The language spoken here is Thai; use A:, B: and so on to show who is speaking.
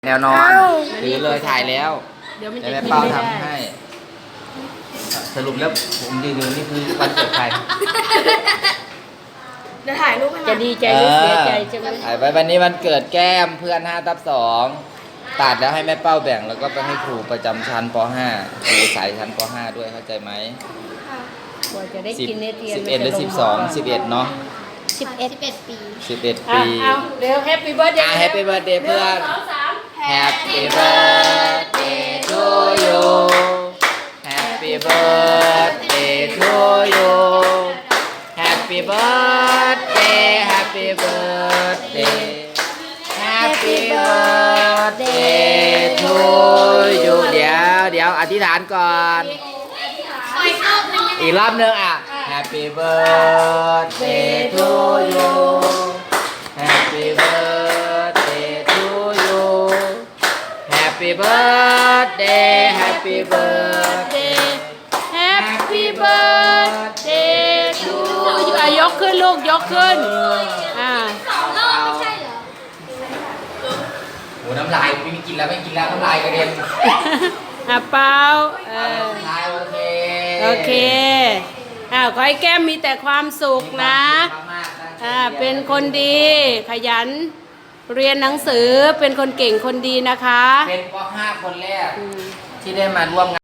A: แนวนอนถือเลยถ่ายแล้ว
B: เดี๋ยวมัน
A: แต่
B: จะ
A: แม่
B: กิน
A: เป้า
B: ไม่ได้
A: ทำให้ สรุปแล้วผมยืนอยู่นี่คือวันเกิดใคร
C: เดี๋ยวถ่ายรูปให้
B: จะ
C: มัน
B: ดีใจหรือเสียใจใช่ไหม
A: ถ่ายไว้วันนี้วันเกิดแก้มเพื่อน5/2ตัดแล้วให้แม่เป้าแบ่งแล้วก็ไปให้ครูประจำชั้นป .5 ครูสายชั้นป .5 ด้วยเข้าใจไหม
B: กว่าจะได้กินเนเทียน
A: 11หรือ12 11เนาะ
C: 11 ปี
A: 11
B: อ่ะ
A: ปี
B: เอาเร็วแฮปปี้เบิร์ดเดย์
A: แฮปปี้เบิร์ดเดย์เพื่อน Happy birthday to you Happy birthday to you Happy birthday Happy birthday Happy birthday to you เดี๋ยวอธิษฐานก่อน อีกรอบนึงอ่ะ Happy birthday to you Happy birthday to you Happy birthday Happy birthday
B: Happy birthday to you อ่ะยกขึ้นลูกยกขึ้นอ่า
A: โหน้ำลายไม่มีกินแล้วไม่กินแล้วน้ำลายกระเด็น
B: อ่ะเปล่า
A: น้ำลายโอเค
B: โอเคขอให้แก้มมีแต่ความสุขนะ เป็นคนดีขยันเรียนหนังสือเป็นคนเก่งคนดีนะคะ
A: เป็นป .5 คนแรกที่ได้มาร่วมงาน